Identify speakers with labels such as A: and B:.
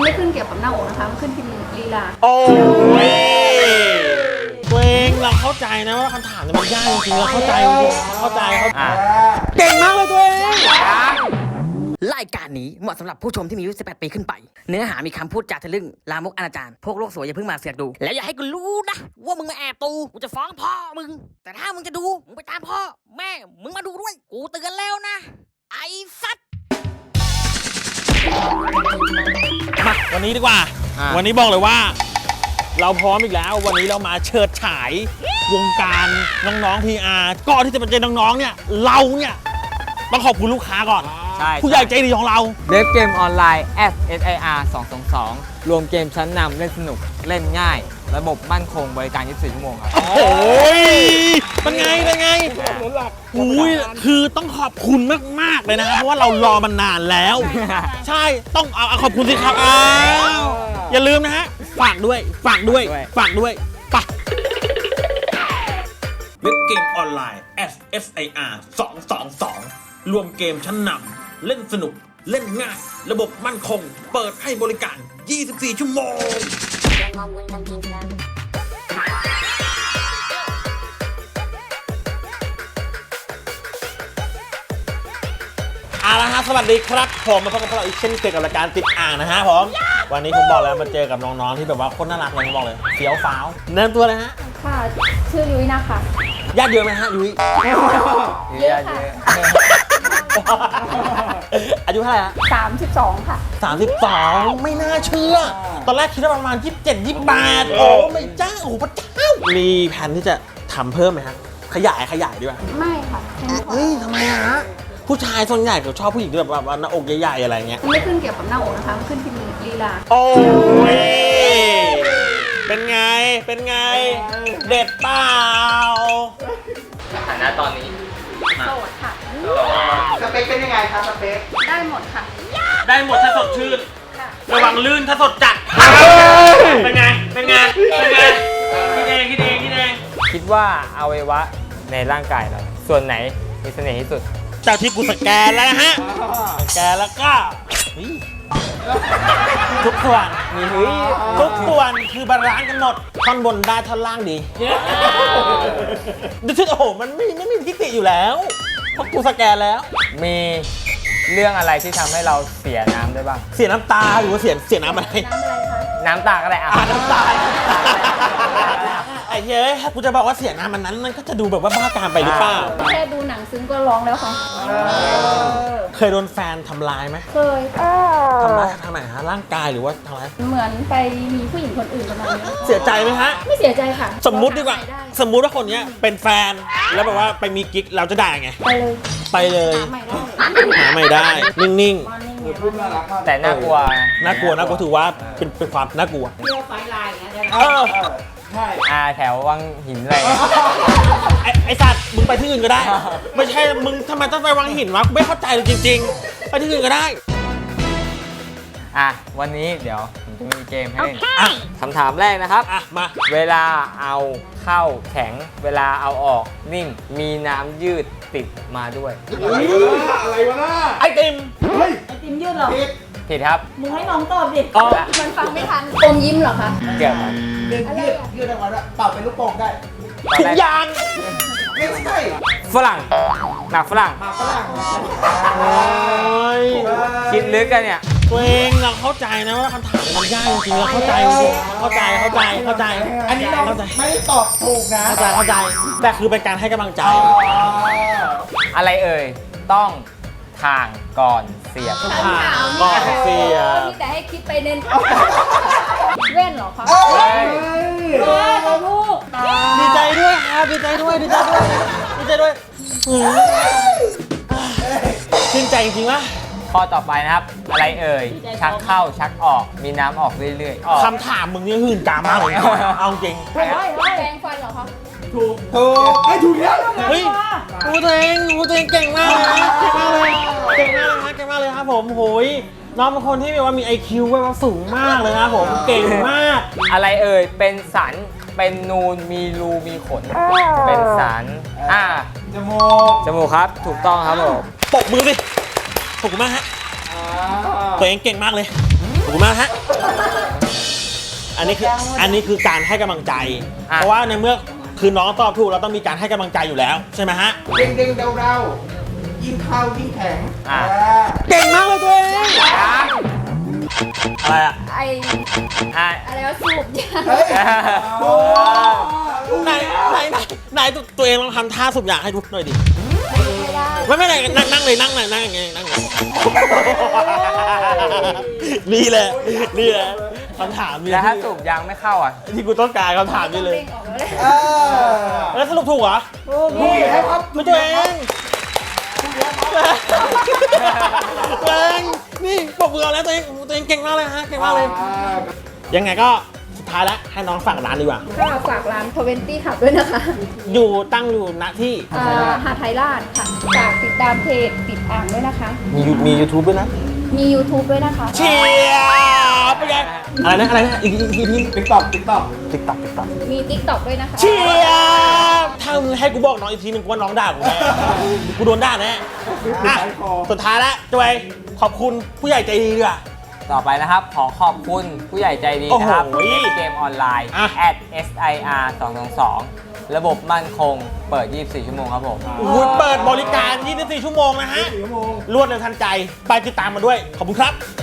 A: ไม่ขึ้นเกี่ยวกับหน้าอกนะคะมันขึ้นที่ลีลา
B: โอ้ยตัวเองเราเข้าใจนะว่าคำถามเนี่ยมันยากจริงๆเราเข้าใจเก่งมากเลยตัวเอง
C: รายการนี้เหมาะสำหรับผู้ชมที่มีอายุ 18 ปีขึ้นไป เนื้อหามีคำพูดจาทะลึ่งลามกอนาจารพวกโลกสวยอย่าเพิ่งมาเสือกดู แล้วอย่าให้กูรู้นะว่ามึงมาแอบดูกูจะฟ้องพ่อมึง แต่ถ้ามึงจะดูมึงไปตามพ่อแม่มึงมาดูด้วยกูเตือนแล้วนะไอ้สัตว์
B: มาวันนี้ดีกว่าวันนี้บอกเลยว่าเราพร้อมอีกแล้ววันนี้เรามาเชิดฉายวงการน้องๆ PR ก่อนที่จะมาเจอน้องๆเนี่ยเราเนี่ยต้องขอบคุณลูกค้าก่อน
D: ใช่
B: ผู้ใหญ่ใจดีของเรา
D: เว็บเกมออนไลน์ SSIR 222รวมเกมชั้นนำเล่นสนุกเล่นง่ายระบบมั่นคงบริการ 24 ชั่วโมงครับ
B: โอ้ยเป็นไงอุ้ยคือต้องขอบคุณมากๆเลยนะครับเพราะว่าเรารอมันนานแล้วใช่ต้องเอาขอบคุณสิครับอย่าลืมนะฮะฝากด้วยปะเว็บเกมออนไลน์ SSIR 222รวมเกมชั้นนำเล่นสนุกเล่นง่ายระบบมั่นคงเปิดให้บริการ 24 ชั่วโมงเอาละฮะสวัสดีครับผมมาพบกับพวกเราอีกเช่นเคยกับรายการติดอ่างนะฮะผมวันนี้ผมบอกแล้วมาเจอกับน้องๆที่แบบว่าคนน่ารักเลยผมบอกเลยเฟี้ยวฟ้าวเนินตัวเลยฮะ
A: ค่ะชื่อยุ้ยนะคะ
B: ญาติเยอะไหมฮะยุ้ย
A: เยอะค่ะ
B: อายุเท่าไหร่ฮะ
A: 32ค่ะ
B: 32ไม่น่าเชื่อตอนแรกคิดว่าประมาณ27 28โอ้ไม่จ้าโอ้พระเจ้ามีแผนที่จะทำเพิ่มไหมฮะขยายดีกว่า
A: ไม่ค่ะ
B: เฮ้ยทำไมฮะผู้ชายส่วนใหญ่เขาชอบผู้หญิงที่แบบว่าหน้าอกใหญ่ๆอะไรเงี้ย
A: ไม่ขึ้นเกี่ยวกับหน้าอกนะคะมันขึ้นที่ลีลา
B: โอ้ยเป็นไงเด็ดเปล่า
D: ฐานะตอนนี้
A: โสดค่ะ
E: สเปคเป็นยังไงคะสเปค
A: ได้หมดค่ะ
B: ได้หมดถ้าสดชื่นระวังลื่นถ้าสดจัดเป็นไงคิดเอง
D: คิดว่าอวัยวะในร่างกายเราส่วนไหนมีเสน่ห์ที่สุด
B: จากที่กูสแกนแล้วนะฮะสแกนแล้วก็ทุกส่วนคือบาลานซ์กันหมดท่อนบนได้ท่อนล่างดีดูสิโอ้โหมันไม่มีทิฏฐิอยู่แล้วเพราะกูสแกนแล้ว
D: มีเรื่องอะไรที่ทำให้เราเสียน้ำได้บ้าง
B: เสียน้ำตาหรือว่าเสียน้ำอะไร
D: น้ำตาก็ได้
B: น้ำตาไอ้เฮ้ยกูจะบอกว่าเสียน้ำมันก็จะดูแบบว่าบ้าการไปหรือเปล่า
A: แค่ดูหนังซึ้งก็ร้องแล้วค่ะ
B: เคยโดนแฟนทำร้ายไหม
A: เคย
B: ทำร้ายทางไหนฮะร่างกายหรือว่าทำร้าย
A: เหมือนไปมีผู้หญิงคนอื่นประมาณนี้
B: เสียใจไหมฮะ
A: ไม่เสียใจค่ะ
B: สมมุติดีกว่าสมมุติว่าคนนี้เป็นแฟนแล้วแบบว่าไปมีกิ๊กเราจะได้ไงไปเลยหาไม่ได้นิ่ง
D: ๆแต่น่ากลัว
B: ถือว่าเป็นความน่ากลัว
A: เที่ยวไฟลายอย่างเงี้ย
D: ใช่แถววังหินอะไร
B: ไอสัตว์มึงไปที่อื่นก็ได้ไม่ใช่มึงทำไมต้องไปวังหินวะกูไม่เข้าใจเลยจริงๆไปที่อื่นก็ได้
D: วันนี้เดี๋ยวผมจะมีเกมให้เล่นคำถามแรกนะครับ
B: มา
D: เวลาเอาเข้าแข็งเวลาเอาออกนิ่มมีน้ำยืดติดมาด้วย
E: อะไรวะน่า
B: ไอติม
A: ยืดเหรอ
D: ผิดครับ
A: มึงให้น้องตอบดิมันฟังไม่ทันอมยิ้มเหรอคะ
D: เกี่ยวกับ
E: ยืดได้ก่อนเป่าเป็นลูกโป่งได้
B: ถุงยาง
E: ไม่ใช่
D: ฝรั่งหมากฝรั่งคิดลึกกันเนี่ย
B: ตัวเองเราเข้าใจนะว่าคำถามมันยากจริงๆเราเข้าใจ
E: อันนี้เราไม่ตอบถูกนะ
B: เข้าใจแต่คือเป็นการให้กำลังใจ
D: อะไรเอ่ยต้องทางก่อนเสียบ
B: ก่อนเสียบ
A: แต่ให้คิดไปเน้นเว้นเหรอคะลูก
B: ดีใจด้วยครับดีใจด้วยชื่นใจจริงๆวะ
D: ข้อต่อไปนะครับอะไรเอ่ยชักเข้าชักออกมีน้ำออกเรื่อย
B: ๆคำถามมึงนี่หื่นกามากเลยเอาจริง
A: แปรงฟันเหรอคะ
E: ถูกให้ถูกแล้ว
B: เฮ้ยตัวเองเก่งมากเลยครับผมโหยน้องเป็นคนที่แบบว่ามี IQ ว่าสูงมากเลยครับผมเก่งมาก
D: อะไรเอ่ยเป็นสันเป็นนูนมีรูมีขนเป็นสันจมูกครับถูกต้องครับผม
B: ปรบมือสิขอบคุณมากฮะตัวเองเก่งมากเลยขอบคุณมากฮะอันนี้คือการให้กำลังใจ เพราะว่าในเมื่อคือน้องตอบถูกเราต้องมีการให้กำลังใจอยู่แล้วใช่ไหมฮะ
E: เด้งๆเดาๆยิ่งเข้ายิ่งแข็ง
B: เก่งมากเลยตัวเองอะไรอะ
A: ไอ
D: อ่ะ
A: อะไรวะสูบยา
E: เฮ้ย
B: ไหนตัวเองลองทำท่าสูบยาให้ดูหน่อยดิ
A: ไม่ได้
B: ไม่นั่งเลยนั่งอย่างเงี้ยนั่งเลยนี่แหละคำถามนี่
D: แล้วถ้าสูบยางไม่เข้าอ่ะ
B: ที่กูต้องการคำถามนี่เลย
A: เด้งออกแล้วเลย
B: แล้วสรุปถูกเหรอ
E: ถูกแล้วครับ
B: ไม่ตัวเองตัวเองนี่ปรบมือแล้วตัวเองเก่งมากเลยฮะเก่งมากเลย ยังไงก็สุดท้ายแล้วให้น้องฝากร้านดีกว่า
A: ก็ฝากร้าน20 ขับด้วยนะคะ
B: ตั้งอยู่ณที่
A: หาดไทยราชค่ะฝากติดตามเพจติดอ่างด้วยนะคะ
B: มี YouTube ด้วยนะ
A: มี YouTube ด้วยนะคะ
B: เชียร์เป็นไงอะไรนะอีกที
E: ติ๊กต็อก
B: ติ๊กต็อก
A: มี TikTok ด้วยนะคะ
B: เชียร์ถ้ามึงให้กูบอกน้องอีกทีนึงกูว่าน้องด่ากูแน่กูโดนด่าแน่อ่ะสุดท้ายแล้วจอยขอบคุณผู้ใหญ่ใจดีดีกว่า
D: ต่อไปนะครับ ขอขอบคุณผู้ใหญ่ใจดีนะครับ
B: โอ้โห
D: เกมออนไลน์
B: อ่ะ
D: @SIR 222ระบบมั่นคงเปิด 24 ชั่วโมงครับผม
B: คุณเปิดบริการ 24 ชั่วโมงนะฮะ รวดเร็วทันใจ ไปติดตามมาด้วย ขอบคุณครับ